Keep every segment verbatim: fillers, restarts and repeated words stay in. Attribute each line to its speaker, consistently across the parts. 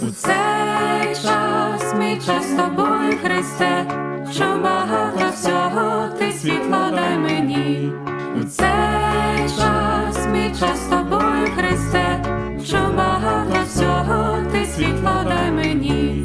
Speaker 1: У цей час, мій час з тобою, Христе, що багато всього ти світло дай мені. У цей час, мій час з тобою, Христе, що багато всього ти світло дай мені.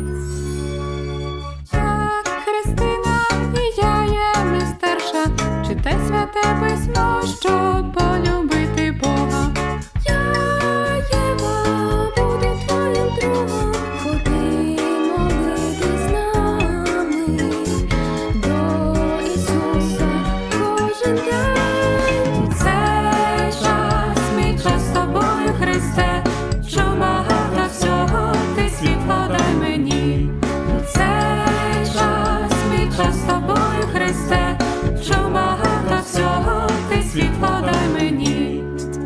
Speaker 1: Так, Христина, і я є мистерша, читай святе письмо, щоб полюбити Бога. Я, Єва, буду твоїм другом, ходи молитись з нами до Ісуса кожен день. У цей час, мій час з тобою, Христе, що багато всього ти світло дай мені. У цей час, мій час з тобою, Христе, що багато всього ти світло дай мені.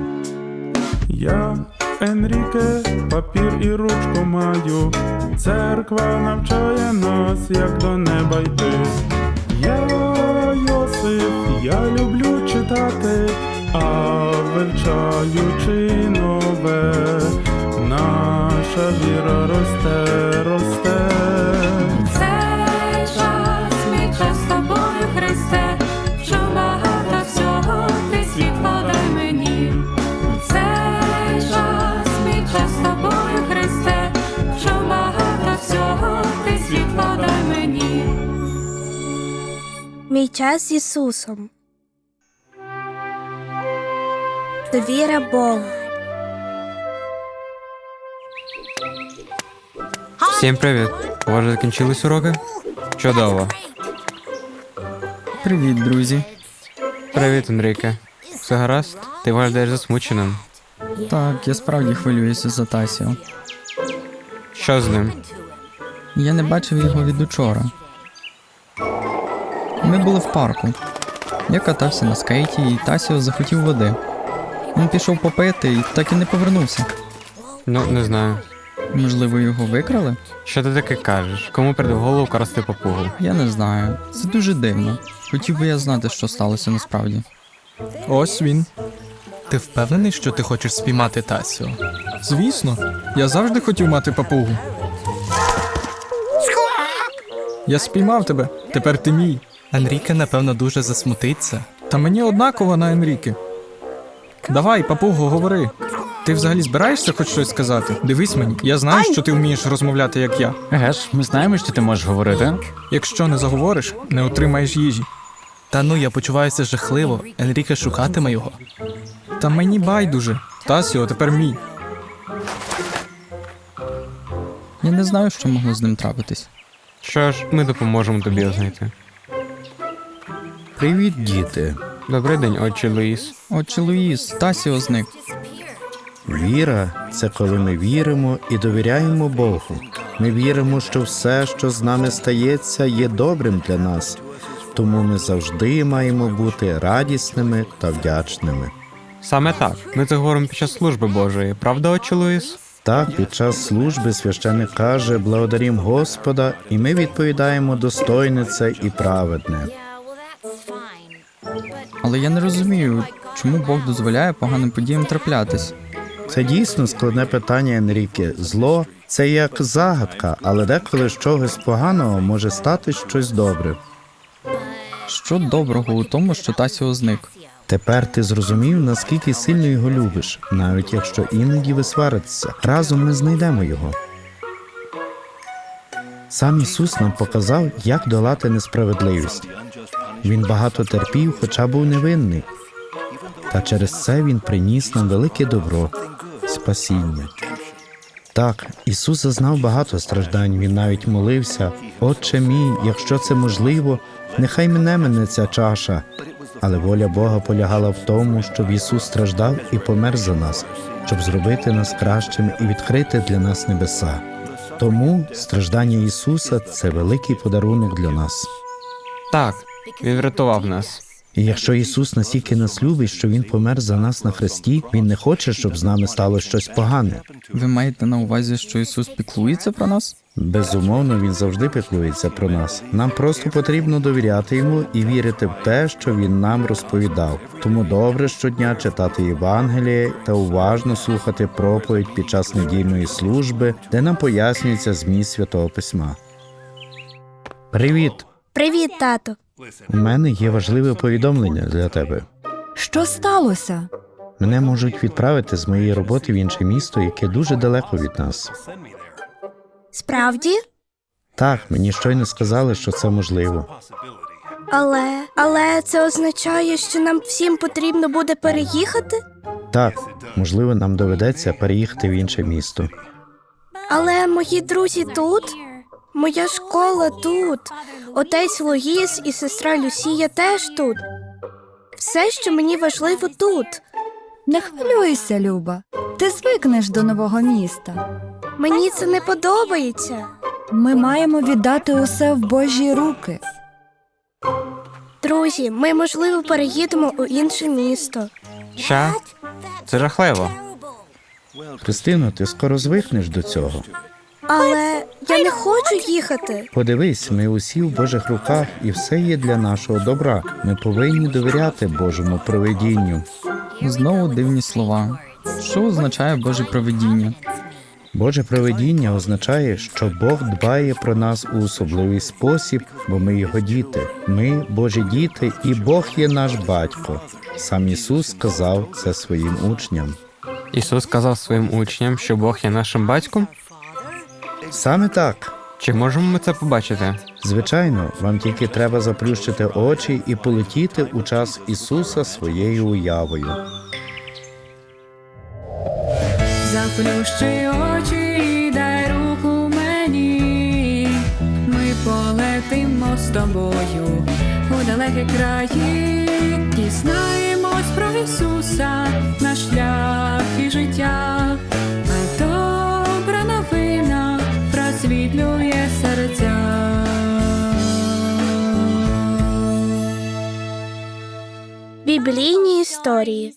Speaker 2: Я, Енріке, папір і ручку маю, церква навчає нас, як до неба йти. Я, Йосип, я люблю читати, а вивчаючи нове, наша віра росте, росте.
Speaker 1: У цей час, мій час з тобою, Христе, що багато всього ти світло дай мені. У цей час, мій час з тобою, Христе, що багато всього ти світло дай мені.
Speaker 3: Мій час з Ісусом. Довіра Богу.
Speaker 4: Всім привіт! У вас вже закінчились уроки? Чудово.
Speaker 5: Привіт, друзі.
Speaker 4: Привіт, Енріке. Все гаразд? Ти виглядаєш засмученим.
Speaker 5: Так, я справді хвилююся за Тасіо.
Speaker 4: Що з ним?
Speaker 5: Я не бачив його від учора. Ми були в парку. Я катався на скейті, і Тасіо захотів води. Він пішов попити і так і не повернувся.
Speaker 4: Ну, не знаю.
Speaker 5: Можливо, його викрали?
Speaker 4: Що ти таке кажеш? Кому прийде в голову красти папугу?
Speaker 5: Я не знаю. Це дуже дивно. Хотів би я знати, що сталося насправді.
Speaker 6: Ось він. Ти впевнений, що ти хочеш спіймати Тасіо? Звісно. Я завжди хотів мати папугу. Я спіймав тебе. Тепер ти мій. Енріке, напевно, дуже засмутиться. Та мені однаково на Енріке. Давай, папуго, говори. Ти взагалі збираєшся хоч щось сказати? Дивись мені, я знаю, що ти вмієш розмовляти, як я.
Speaker 7: Еге ж, ми знаємо, що ти можеш говорити.
Speaker 6: Якщо не заговориш, не отримаєш їжі.
Speaker 8: Та ну, я почуваюся жахливо. Енріке шукатиме його.
Speaker 6: Та мені байдуже. Тасіо тепер мій.
Speaker 5: Я не знаю, що могло з ним трапитись.
Speaker 4: Що ж, ми допоможемо тобі його знайти.
Speaker 9: Привіт, діти.
Speaker 4: Добрий день, отче Луїс.
Speaker 5: Отче Луїс, Тасіо зник.
Speaker 9: Віра – це коли ми віримо і довіряємо Богу. Ми віримо, що все, що з нами стається, є добрим для нас. Тому ми завжди маємо бути радісними та вдячними.
Speaker 4: Саме так. Ми це говоримо під час служби Божої. Правда, отче Луїс?
Speaker 9: Так, під час служби священик каже «Благодарім Господа», і ми відповідаємо «Достойне це і праведне».
Speaker 5: Але я не розумію, чому Бог дозволяє поганим подіям траплятись.
Speaker 9: Це дійсно складне питання, Енріке. Зло – це як загадка, але деколи з чогось поганого може стати щось добре.
Speaker 5: Що доброго у тому, що Тасіо зник?
Speaker 9: Тепер ти зрозумів, наскільки сильно його любиш, навіть якщо іноді ви сваритеся. Разом ми знайдемо його. Сам Ісус нам показав, як долати несправедливість. Він багато терпів, хоча був невинний. Та через це Він приніс нам велике добро – спасіння. Так, Ісус зазнав багато страждань, Він навіть молився: «Отче мій, якщо це можливо, нехай мене мене ця чаша». Але воля Бога полягала в тому, щоб Ісус страждав і помер за нас, щоб зробити нас кращими і відкрити для нас небеса. Тому страждання Ісуса – це великий подарунок для нас.
Speaker 4: Так, він врятував нас.
Speaker 9: І якщо Ісус настільки нас любить, що Він помер за нас на хресті, Він не хоче, щоб з нами стало щось погане.
Speaker 5: Ви маєте на увазі, що Ісус піклується про нас?
Speaker 9: Безумовно, він завжди піклується про нас. Нам просто потрібно довіряти йому і вірити в те, що він нам розповідав. Тому добре щодня читати Євангеліє та уважно слухати проповідь під час недільної служби, де нам пояснюється зміст Святого Письма. Привіт!
Speaker 3: Привіт, тато.
Speaker 9: У мене є важливе повідомлення для тебе.
Speaker 1: Що сталося?
Speaker 9: Мене можуть відправити з моєї роботи в інше місто, яке дуже далеко від нас.
Speaker 3: Справді?
Speaker 9: Так, мені щойно сказали, що це можливо.
Speaker 3: Але, але це означає, що нам всім потрібно буде переїхати?
Speaker 9: Так, можливо, нам доведеться переїхати в інше місто.
Speaker 3: Але мої друзі тут? Моя школа тут. Отець Луїс і сестра Люсія теж тут. Все, що мені важливо тут.
Speaker 1: Не хвилюйся, Люба. Ти звикнеш до нового міста.
Speaker 3: Мені це не подобається.
Speaker 1: Ми маємо віддати усе в Божі руки.
Speaker 3: Друзі, ми, можливо, переїдемо у інше місто.
Speaker 4: Що? Це жахливо.
Speaker 9: Христино, ти скоро звикнеш до цього.
Speaker 3: Але я не хочу їхати.
Speaker 9: Подивись, ми усі в Божих руках, і все є для нашого добра. Ми повинні довіряти Божому провидінню.
Speaker 5: Знову дивні слова. Що означає Боже провидіння?
Speaker 9: Боже провидіння означає, що Бог дбає про нас у особливий спосіб, бо ми його діти. Ми – Божі діти, і Бог є наш батько. Сам Ісус сказав це своїм учням.
Speaker 4: Ісус сказав своїм учням, що Бог є нашим батьком?
Speaker 9: Саме так.
Speaker 4: Чи можемо ми це побачити?
Speaker 9: Звичайно, вам тільки треба заплющити очі і полетіти у час Ісуса своєю уявою.
Speaker 1: Заплющи очі і дай руку мені. Ми полетимо з тобою у далекі краї. Дізнаємось про Ісуса, наш шлях і життя. А добра новина просвітлює серця.
Speaker 3: Біблійні історії.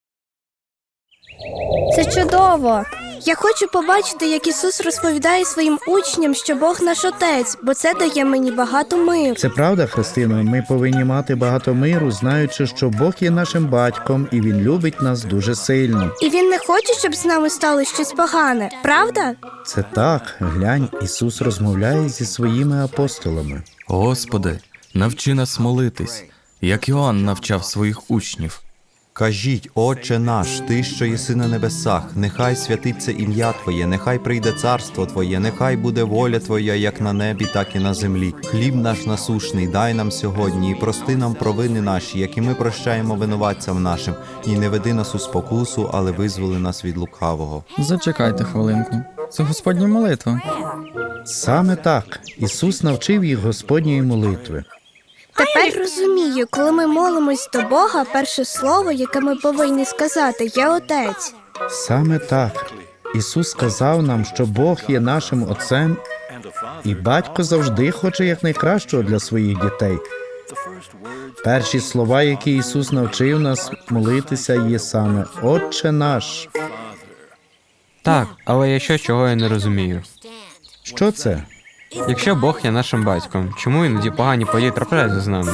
Speaker 10: Це чудово!
Speaker 3: Я хочу побачити, як Ісус розповідає своїм учням, що Бог наш Отець, бо це дає мені багато миру.
Speaker 9: Це правда, Христино, ми повинні мати багато миру, знаючи, що Бог є нашим батьком, і Він любить нас дуже сильно.
Speaker 3: І Він не хоче, щоб з нами стало щось погане, правда?
Speaker 9: Це так, глянь, Ісус розмовляє зі своїми апостолами.
Speaker 11: Господи, навчи нас молитись, як Іоанн навчав своїх учнів.
Speaker 12: Кажіть, Отче наш, Ти, що єси на небесах, нехай святиться ім'я Твоє, нехай прийде царство Твоє, нехай буде воля Твоя, як на небі, так і на землі. Хліб наш насушний дай нам сьогодні, і прости нам провини наші, як і ми прощаємо винуватцям нашим, і не веди нас у спокусу, але визволи нас від лукавого.
Speaker 5: Зачекайте хвилинку. Це Господня молитва.
Speaker 9: Саме так, Ісус навчив їх Господньої молитви.
Speaker 3: Тепер розумію, коли ми молимось до Бога, перше слово, яке ми повинні сказати, є Отець.
Speaker 9: Саме так. Ісус сказав нам, що Бог є нашим Отцем, і Батько завжди хоче якнайкращого для своїх дітей. Перші слова, які Ісус навчив нас молитися, є саме «Отче наш».
Speaker 4: Так, але є щось, чого я не розумію.
Speaker 9: Що це?
Speaker 4: Якщо Бог є нашим батьком, чому іноді погані події трапляються з нами?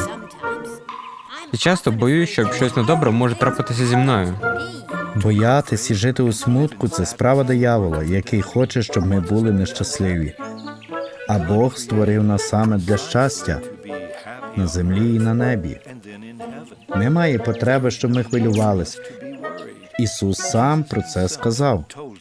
Speaker 4: І часто боюсь, що щось недобре може трапитися зі мною.
Speaker 9: Боятись і жити у смутку – це справа диявола, який хоче, щоб ми були нещасливі. А Бог створив нас саме для щастя на землі і на небі. Немає потреби, щоб ми хвилювались. Ісус сам про це сказав.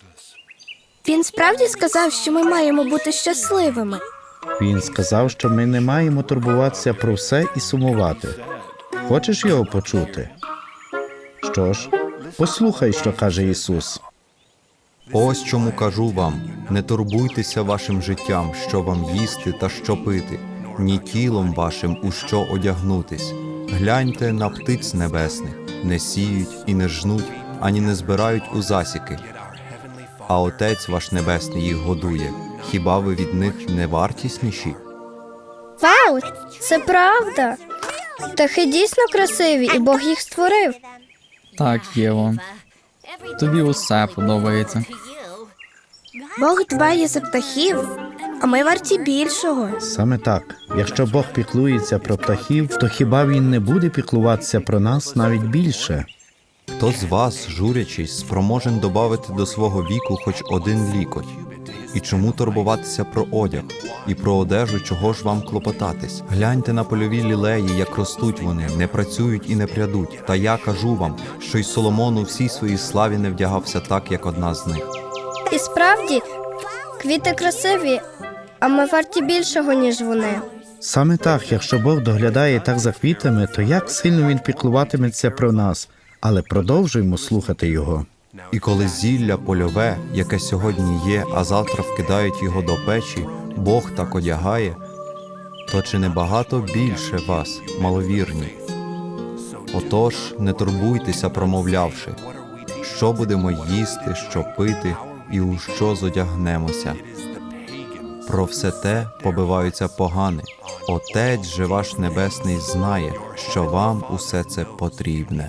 Speaker 3: Він справді сказав, що ми маємо бути щасливими.
Speaker 9: Він сказав, що ми не маємо турбуватися про все і сумувати. Хочеш його почути? Що ж, послухай, що каже Ісус.
Speaker 12: Ось чому кажу вам, не турбуйтеся вашим життям, що вам їсти та що пити, ні тілом вашим, у що одягнутись. Гляньте на птиць небесних, не сіють і не жнуть, ані не збирають у засіки. А Отець ваш Небесний їх годує. Хіба ви від них не вартісніші?
Speaker 10: Вау! Це правда! Птахи дійсно красиві, і Бог їх створив.
Speaker 5: Так, Єво. Тобі усе подобається.
Speaker 3: Бог дбає за птахів, а ми варті більшого.
Speaker 9: Саме так. Якщо Бог піклується про птахів, то хіба він не буде піклуватися про нас навіть більше?
Speaker 12: Хто з вас, журячись, спроможен добавити до свого віку хоч один лікоть? І чому турбуватися про одяг? І про одежу чого ж вам клопотатись? Гляньте на польові лілеї, як ростуть вони, не працюють і не прядуть. Та я кажу вам, що й Соломон у всій своїй славі не вдягався так, як одна з них.
Speaker 10: І справді, квіти красиві, а ми варті більшого, ніж вони.
Speaker 9: Саме так, якщо Бог доглядає так за квітами, то як сильно він піклуватиметься про нас. Але продовжуємо слухати його.
Speaker 12: І коли зілля польове, яке сьогодні є, а завтра вкидають його до печі, Бог так одягає, то чи не багато більше вас, маловірні? Отож, не турбуйтеся, промовлявши, що будемо їсти, що пити і у що зодягнемося. Про все те побиваються погани. Отець же ваш Небесний знає, що вам усе це потрібне.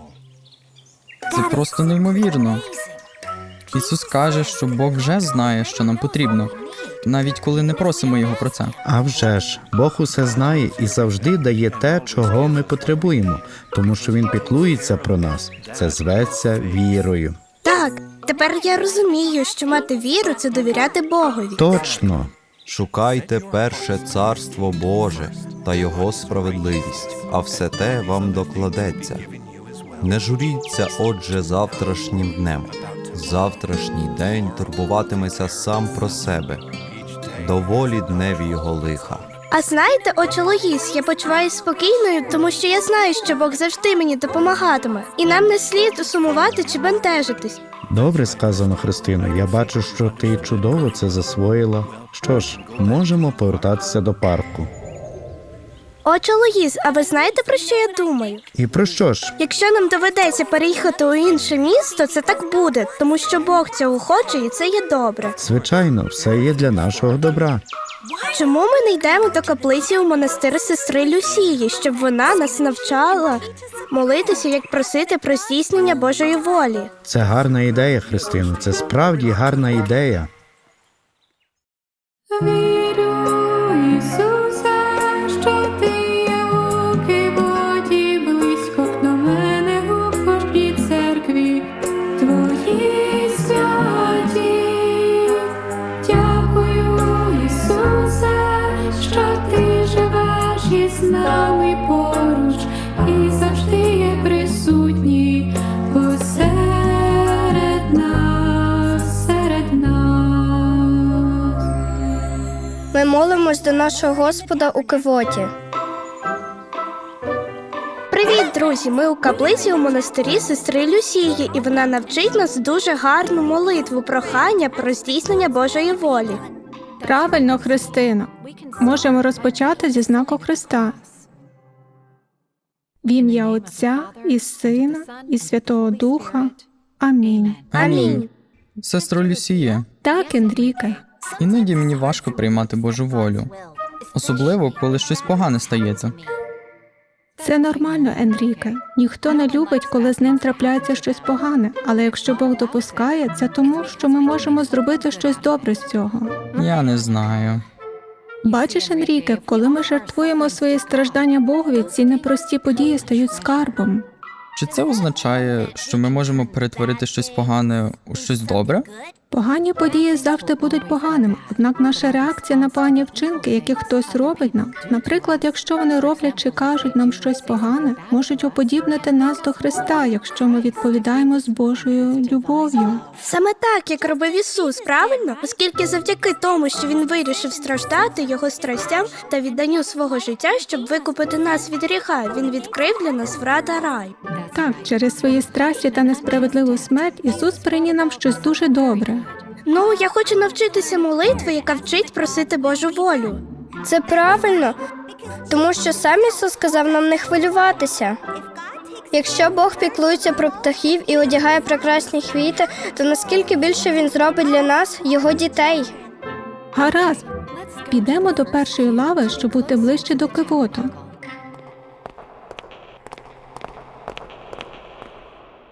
Speaker 5: Це просто неймовірно. Ісус каже, що Бог вже знає, що нам потрібно, навіть коли не просимо Його про це.
Speaker 9: А вже ж, Бог усе знає і завжди дає те, чого ми потребуємо, тому що він піклується про нас. Це зветься вірою.
Speaker 3: Так, тепер я розумію, що мати віру – це довіряти Богові.
Speaker 9: Точно.
Speaker 12: Шукайте перше царство Боже та Його справедливість, а все те вам докладеться. Не журіться, отже, завтрашнім днем. Завтрашній день турбуватиметься сам про себе. Доволі дневі його лиха.
Speaker 3: А знаєте, отче Лоїс, я почуваюся спокійною, тому що я знаю, що Бог завжди мені допомагатиме. І нам не слід сумувати чи бентежитись.
Speaker 9: Добре сказано, Христино. Я бачу, що ти чудово це засвоїла. Що ж, можемо повертатися до парку.
Speaker 3: Отче Лоїс, а ви знаєте, про що я думаю?
Speaker 9: І про що ж?
Speaker 3: Якщо нам доведеться переїхати у інше місто, це так буде, тому що Бог цього хоче і це є добре.
Speaker 9: Звичайно, все є для нашого добра.
Speaker 3: Чому ми не йдемо до каплиці у монастир сестри Люсії, щоб вона нас навчала молитися, як просити про здійснення Божої волі?
Speaker 9: Це гарна ідея, Христино. Це справді гарна ідея.
Speaker 1: Вірю, Ісусе, що ти є у Кивоті, близько до мене у кожній церкві твої святі. Дякую, Ісусе, що ти живеш із нами поруч і завжди є присутній посеред нас, серед нас.
Speaker 10: Ми молимось до нашого Господа у Кивоті.
Speaker 3: Привіт, друзі! Ми у каплиці у монастирі сестри Люсії, і вона навчить нас дуже гарну молитву прохання про здійснення Божої волі.
Speaker 1: Правильно, Христино. Можемо розпочати зі знаку Христа. В ім'я Отця і Сина і Святого Духа. Амінь.
Speaker 3: Амінь.
Speaker 5: Сестро Люсіє,
Speaker 1: Так, Енріке.
Speaker 5: іноді мені важко приймати Божу волю. Особливо, коли щось погане стається.
Speaker 1: Це нормально, Енріке. Ніхто не любить, коли з ним трапляється щось погане. Але якщо Бог допускає, це тому, що ми можемо зробити щось добре з цього.
Speaker 5: Я не знаю.
Speaker 1: Бачиш, Енріке, коли ми жертвуємо свої страждання Богові, ці непрості події стають скарбом.
Speaker 5: Чи це означає, що ми можемо перетворити щось погане у щось добре?
Speaker 1: Погані події завжди будуть поганими, однак наша реакція на погані вчинки, які хтось робить нам, наприклад, якщо вони роблять чи кажуть нам щось погане, можуть уподібнити нас до Христа, якщо ми відповідаємо з Божою любов'ю.
Speaker 3: Саме так, як робив Ісус, правильно? Оскільки завдяки тому, що Він вирішив страждати Його страстям та відданню свого життя, щоб викупити нас від гріха, Він відкрив для нас врата рай.
Speaker 1: Так, через свої страсті та несправедливу смерть Ісус приніс нам щось дуже добре.
Speaker 3: Ну, я хочу навчитися молитви, яка вчить просити Божу волю.
Speaker 10: Це правильно, тому що сам Ісус сказав нам не хвилюватися. Якщо Бог піклується про птахів і одягає прекрасні квіти, то наскільки більше Він зробить для нас, Його дітей?
Speaker 1: Гаразд, підемо до першої лави, щоб бути ближче до Кивоту.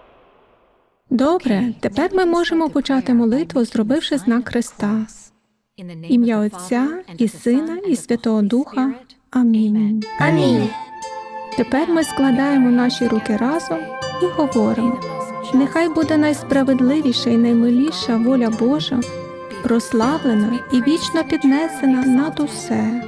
Speaker 1: Добре, тепер ми можемо почати молитву, зробивши знак Христа. Ім'я Отця і Сина і Святого Духа. Амінь.
Speaker 3: Амінь.
Speaker 1: Тепер ми складаємо наші руки разом і говоримо: нехай буде найсправедливіша і наймиліша воля Божа, прославлена і вічно піднесена над усе.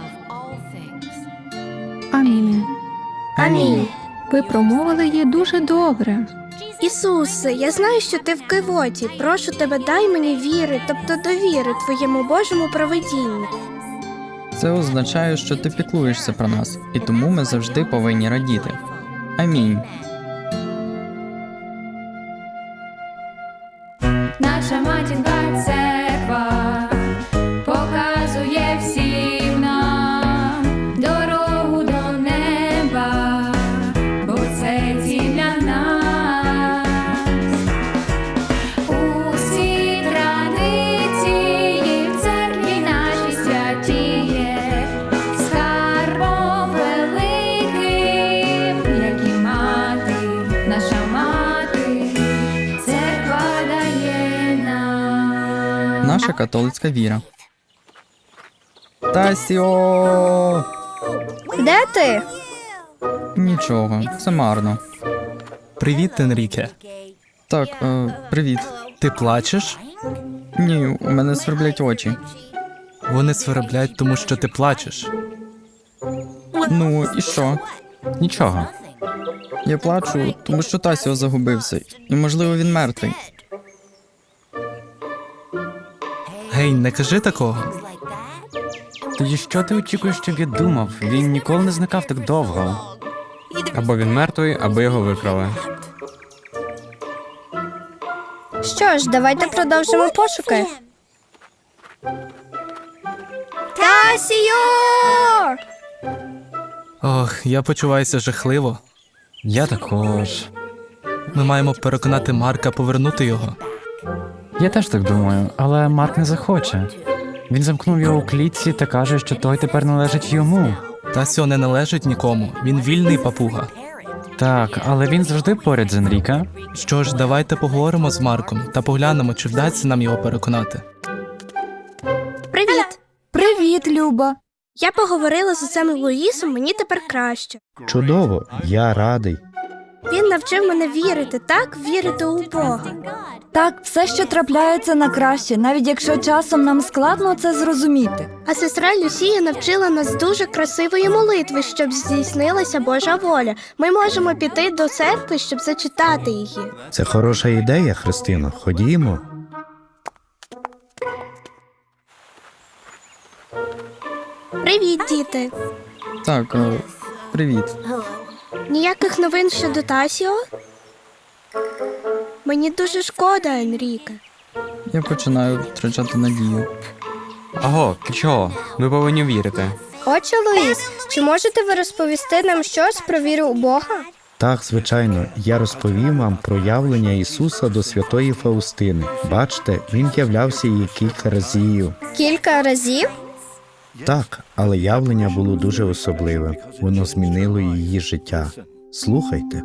Speaker 1: Амінь.
Speaker 3: Амінь.
Speaker 1: Ви промовили її дуже добре.
Speaker 3: Ісусе, я знаю, що ти в кивоті. Прошу тебе, дай мені віри, тобто довіри твоєму Божому провидінню.
Speaker 5: Це означає, що ти піклуєшся про нас, і тому ми завжди повинні радіти. Амінь.
Speaker 1: Наша матінка церква показує всім нам дорогу до неба, бо це ціль для нас. Усі традиції в церкві нашій святіє, скарбом великим, як і мати, наша мати, церква дає нам.
Speaker 5: Наша католицька віра. Тасіо!
Speaker 10: Де ти?
Speaker 5: Нічого, це марно.
Speaker 8: Привіт, Енріке.
Speaker 5: Так, е, привіт.
Speaker 8: Ти плачеш?
Speaker 5: Ні, у мене сверблять очі.
Speaker 8: Вони сверблять, тому що ти плачеш.
Speaker 5: Ну, і що?
Speaker 7: Нічого.
Speaker 5: Я плачу, тому що Тасіо загубився, і, можливо, він мертвий.
Speaker 8: Гей, не кажи такого.
Speaker 7: Тоді що ти очікуєш, щоб я думав? Він ніколи не зникав так довго.
Speaker 4: Або він мертвий, або його викрали.
Speaker 10: Що ж, давайте продовжимо пошуки. Тасіо!
Speaker 8: Ох, я почуваюся жахливо.
Speaker 7: Я також.
Speaker 8: Ми маємо переконати Марка повернути його.
Speaker 7: Я теж так думаю, але Марк не захоче. Він замкнув його у клітці та каже, що той тепер належить йому.
Speaker 8: Тасіо не належить нікому. Він вільний папуга.
Speaker 7: Так, але він завжди поряд з Енріке.
Speaker 8: Що ж, давайте поговоримо з Марком та поглянемо, чи вдасться нам його переконати.
Speaker 3: Привіт!
Speaker 1: Привіт, Люба!
Speaker 3: Я поговорила з отцем Луїсом, мені тепер краще.
Speaker 9: Чудово, я радий.
Speaker 3: Він навчив мене вірити, так? Вірити у Бога.
Speaker 1: Так, все, що трапляється на краще, навіть якщо часом нам складно це зрозуміти.
Speaker 3: А сестра Люсія навчила нас дуже красивої молитви, щоб здійснилася Божа воля. Ми можемо піти до церкви, щоб зачитати її.
Speaker 9: Це хороша ідея, Христино. Ходімо.
Speaker 3: Привіт, діти!
Speaker 5: Так, е, привіт.
Speaker 3: Ніяких новин щодо Тасіо? Мені дуже шкода, Енріке.
Speaker 5: Я починаю втрачати надію.
Speaker 4: Аго, ти чого? Ми повинні вірити.
Speaker 10: Отче Луїс, чи можете ви розповісти нам щось про віру у Бога?
Speaker 9: Так, звичайно, я розповім вам про явлення Ісуса до святої Фаустини. Бачите, він являвся їй кілька разів.
Speaker 10: Кілька разів?
Speaker 9: Так, але явлення було дуже особливим. Воно змінило її життя. Слухайте.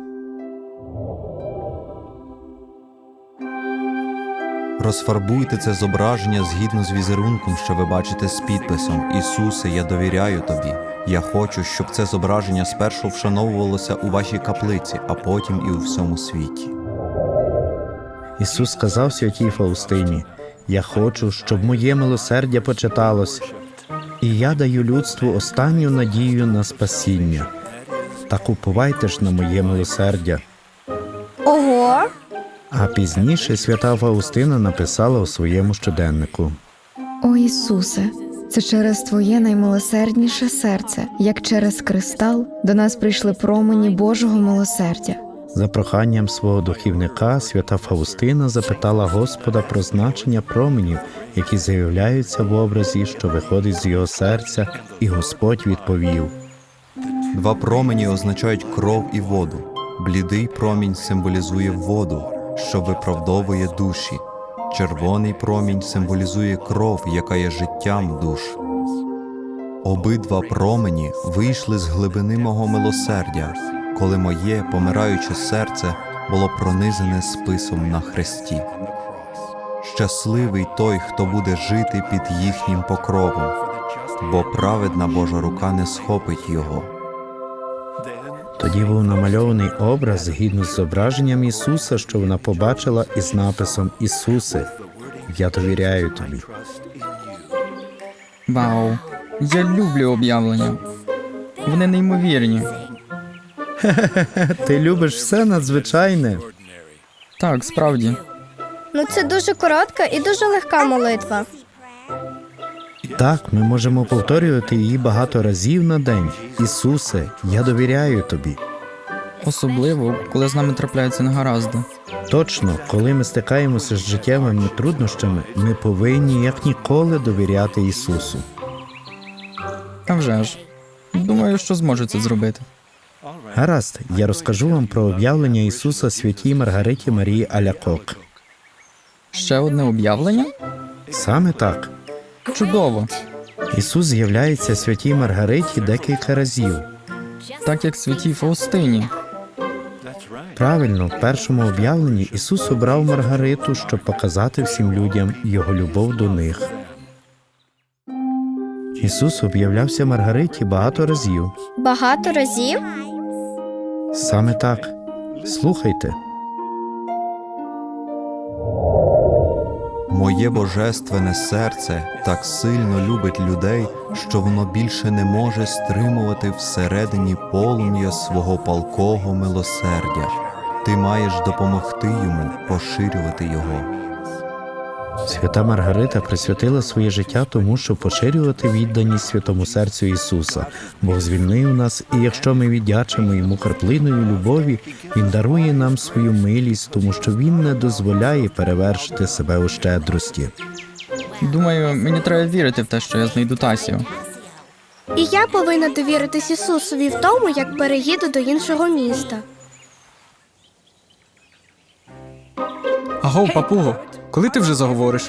Speaker 12: Розфарбуйте це зображення згідно з візерунком, що ви бачите з підписом «Ісусе, я довіряю тобі». Я хочу, щоб це зображення спершу вшановувалося у вашій каплиці, а потім і у всьому світі.
Speaker 9: Ісус сказав святій Фаустині: «Я хочу, щоб моє милосердя почиталось, і я даю людству останню надію на спасіння. Так уповайте ж на моє милосердя».
Speaker 10: Ого!
Speaker 9: А пізніше свята Фаустина написала у своєму щоденнику:
Speaker 1: О Ісусе, це через Твоє наймилосердніше серце, як через кристал, до нас прийшли промені Божого милосердя.
Speaker 9: За проханням свого духівника свята Фаустина запитала Господа про значення променів, які з'являються в образі, що виходить з його серця, і Господь відповів:
Speaker 12: Два промені означають кров і воду. Блідий промінь символізує воду, що виправдовує душі. Червоний промінь символізує кров, яка є життям душ. Обидва промені вийшли з глибини мого милосердя, коли моє помираюче серце було пронизане списом на хресті. Щасливий той, хто буде жити під їхнім покровом, бо праведна Божа рука не схопить його.
Speaker 9: Тоді був намальований образ згідно з зображенням Ісуса, що вона побачила із написом «Ісусе, я довіряю тобі».
Speaker 5: Вау. Я люблю об'явлення. Вони неймовірні.
Speaker 9: Ти любиш все надзвичайне.
Speaker 5: Так, справді.
Speaker 10: Ну це дуже коротка і дуже легка молитва.
Speaker 9: Так, ми можемо повторювати її багато разів на день. «Ісусе, я довіряю тобі».
Speaker 5: Особливо, коли з нами трапляються негаразди.
Speaker 9: Точно, коли ми стикаємося з життєвими труднощами, ми повинні як ніколи довіряти Ісусу.
Speaker 5: А вже ж. Думаю, що зможу це зробити.
Speaker 9: Гаразд, я розкажу вам про об'явлення Ісуса святій Маргариті Марії Алякок.
Speaker 5: Ще одне об'явлення?
Speaker 9: Саме так.
Speaker 5: Чудово.
Speaker 9: Ісус з'являється святій Маргариті декілька разів.
Speaker 5: Так як святій Фаустині.
Speaker 9: Правильно, в першому об'явленні Ісус обрав Маргариту, щоб показати всім людям Його любов до них. Ісус об'являвся Маргариті багато разів.
Speaker 10: Багато разів?
Speaker 9: Саме так. Слухайте.
Speaker 12: Моє божественне серце так сильно любить людей, що воно більше не може стримувати всередині полум'я свого палкого милосердя. Ти маєш допомогти йому поширювати його.
Speaker 9: Свята Маргарита присвятила своє життя тому, щоб поширювати відданість святому серцю Ісуса. Бог звільнив нас, і якщо ми віддячимо Йому краплиною любові, Він дарує нам свою милість, тому що Він не дозволяє перевершити себе у щедрості.
Speaker 5: Думаю, мені треба вірити в те, що я знайду Тасію.
Speaker 3: І я повинна довіритись Ісусові в тому, як переїду до іншого міста.
Speaker 6: Агов, папуго, коли ти вже заговориш?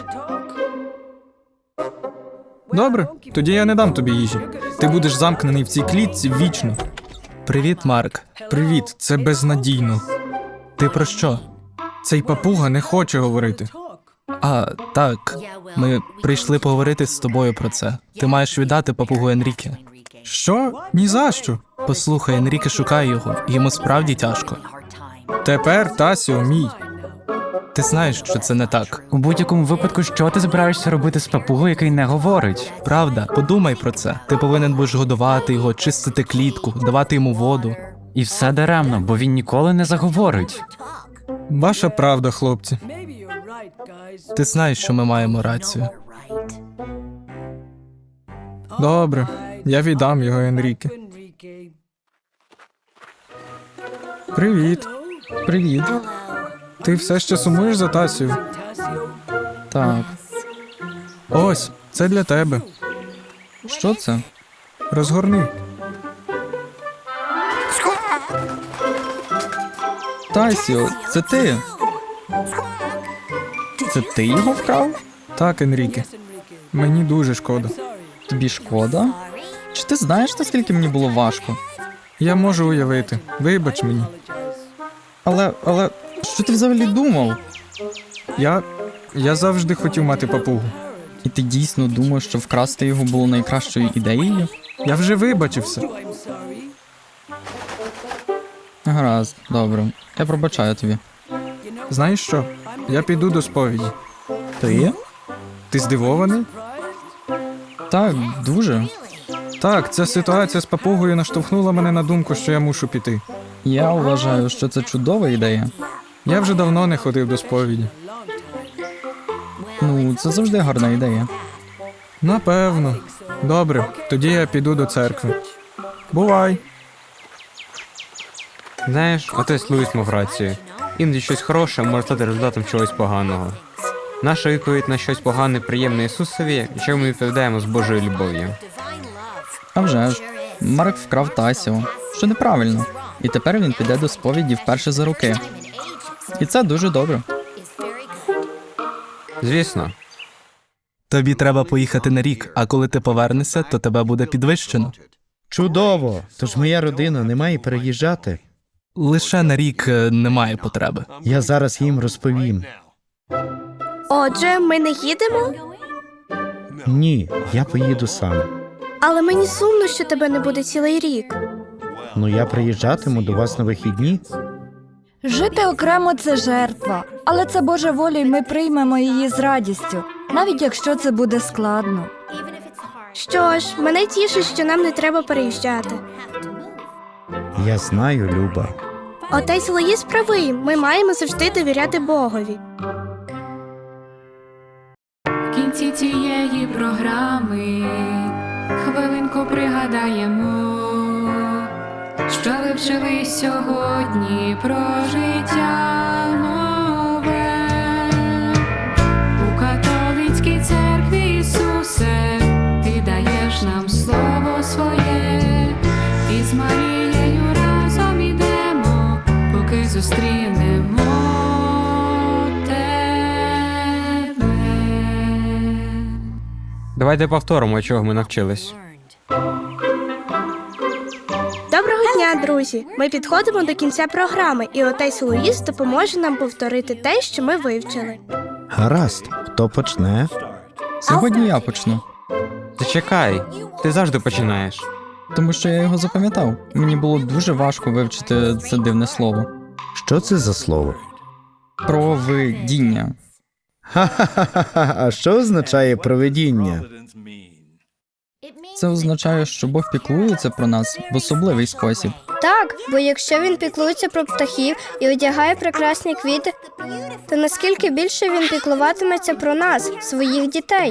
Speaker 6: Добре, тоді я не дам тобі їжі. Ти будеш замкнений в цій клітці вічно.
Speaker 8: Привіт, Марк.
Speaker 6: Привіт, це безнадійно.
Speaker 8: Ти про що?
Speaker 6: Цей папуга не хоче говорити.
Speaker 8: А, так. Ми прийшли поговорити з тобою про це. Ти маєш віддати папугу Енріке.
Speaker 6: Що? Ні за що.
Speaker 8: Послухай, Енріке шукає його, і йому справді тяжко.
Speaker 6: Тепер Тасіо мій.
Speaker 8: Ти знаєш, що це не так.
Speaker 7: У будь-якому випадку, що ти збираєшся робити з папугою, який не говорить?
Speaker 8: Правда, подумай про це. Ти повинен будеш годувати його, чистити клітку, давати йому воду.
Speaker 7: І все даремно, бо він ніколи не заговорить.
Speaker 6: Ваша правда, хлопці.
Speaker 8: Ти знаєш, що ми маємо рацію.
Speaker 6: Добре, я віддам його Енріке. Привіт.
Speaker 5: Привіт.
Speaker 6: Ти все ще сумуєш за Тасію?
Speaker 5: Так.
Speaker 6: Ось, це для тебе.
Speaker 5: Що це?
Speaker 6: Розгорни.
Speaker 5: Тасіо, це ти? Це ти його вкрав?
Speaker 6: Так, Енріке. Мені дуже шкода.
Speaker 5: Тобі шкода? Чи ти знаєш, наскільки мені було важко?
Speaker 6: Я можу уявити. Вибач мені.
Speaker 5: Але, але, що ти взагалі думав?
Speaker 6: Я... я завжди хотів мати папугу.
Speaker 5: І ти дійсно думав, що вкрасти його було найкращою ідеєю?
Speaker 6: Я вже вибачився.
Speaker 5: Гаразд, добре. Я пробачаю тобі.
Speaker 6: Знаєш що? Я піду до сповіді.
Speaker 5: Ти?
Speaker 6: Ти здивований?
Speaker 5: Так, дуже.
Speaker 6: Так, ця ситуація з папугою наштовхнула мене на думку, що я мушу піти.
Speaker 5: Я вважаю, що це чудова ідея.
Speaker 6: Я вже давно не ходив до сповіді.
Speaker 5: Ну, це завжди гарна ідея.
Speaker 6: Напевно. Добре, тоді я піду до церкви. Бувай.
Speaker 4: Знаєш, отець Луїс мав рацію. Іноді щось хороше може стати результатом чогось поганого. Наша відповідь на щось погане приємне Ісусові, якщо ми відповідаємо з Божою любов'ю.
Speaker 5: А вже ж, Марк вкрав Тасіо, що неправильно. І тепер він піде до сповіді вперше за роки. І це дуже добре.
Speaker 4: Звісно.
Speaker 8: Тобі треба поїхати на рік, а коли ти повернешся, то тебе буде підвищено.
Speaker 9: Чудово! Тож моя родина не має переїжджати.
Speaker 8: Лише на рік е, немає потреби.
Speaker 9: Я зараз їм розповім.
Speaker 3: Отже, ми не їдемо?
Speaker 9: Ні, я поїду сам.
Speaker 3: Але мені сумно, що тебе не буде цілий рік.
Speaker 9: Ну я приїжджатиму до вас на вихідні.
Speaker 13: Жити окремо – це жертва, але це Божа воля, і ми приймемо її з радістю, навіть якщо це буде складно.
Speaker 3: Що ж, мене тішить, що нам не треба переїжджати.
Speaker 9: Я знаю, Люба.
Speaker 3: Отець Луїс правий, ми маємо завжди довіряти Богові.
Speaker 1: В кінці цієї програми хвилинку пригадаємо, що ви вчили сьогодні про життя нове. У католицькій церкві, Ісусе, ти даєш нам слово своє, і з Марією разом ідемо, поки зустрінемо тебе.
Speaker 4: Давайте повторимо, чого ми навчились.
Speaker 3: Доброго дня, друзі! Ми підходимо до кінця програми, і отець Луїс допоможе нам повторити те, що ми вивчили.
Speaker 9: Гаразд, хто почне?
Speaker 5: Сьогодні я почну,
Speaker 4: Зачекай, ти завжди починаєш.
Speaker 5: тому що я його запам'ятав. Мені було дуже важко вивчити це дивне слово.
Speaker 9: Що це за слово?
Speaker 5: Провидіння.
Speaker 9: Ха-ха-ха-ха, а що означає провидіння?
Speaker 5: Це означає, що Бог піклується про нас в особливий спосіб.
Speaker 10: Так, бо якщо він піклується про птахів і одягає прекрасні квіти, то наскільки більше він піклуватиметься про нас, своїх дітей.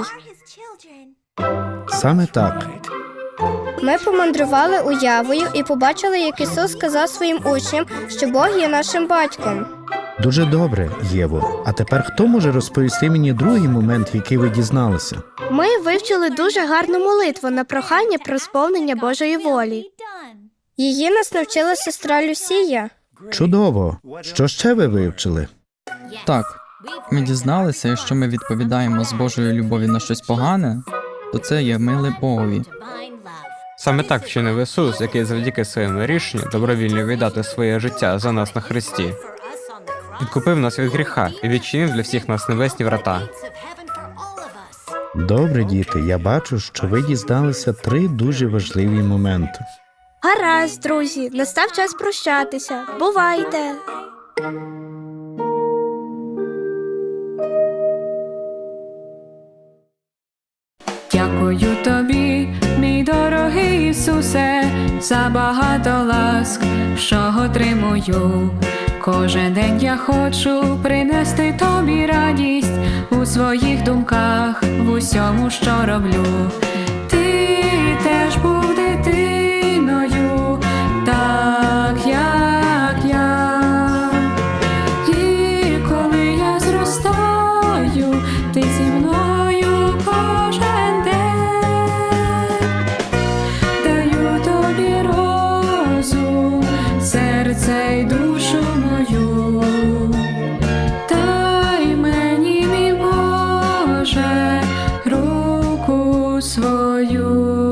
Speaker 9: Саме так.
Speaker 10: Ми помандрували уявою і побачили, як Ісус сказав своїм учням, що Бог є нашим батьком.
Speaker 9: Дуже добре, Єво. А тепер хто може розповісти мені другий момент, який ви дізналися?
Speaker 3: Ми вивчили дуже гарну молитву на прохання про сповнення Божої волі.
Speaker 10: Її нас навчила сестра Люсія.
Speaker 9: Чудово! Що ще ви вивчили?
Speaker 5: Так, ми дізналися, якщо ми відповідаємо з Божої любові на щось погане, то це є миле Богові.
Speaker 4: Саме так вчинив Ісус, який завдяки своєму рішенню добровільно віддати своє життя за нас на хресті. Відкупив нас від гріха і відчинив для всіх нас небесні врата.
Speaker 9: Добре, діти, я бачу, що ви дізналися три дуже важливі моменти.
Speaker 3: Гаразд, друзі, настав час прощатися. Бувайте!
Speaker 1: Дякую тобі, мій дорогий Ісусе, за багато ласк, що отримую. Кожен день я хочу принести тобі радість у своїх думках, в усьому, що роблю. Ти теж був дитиною, так як я. І коли я зростаю, ти зі мною кожен день. Даю тобі розум, серце й душу мою. Дай мені, мій Боже, руку свою.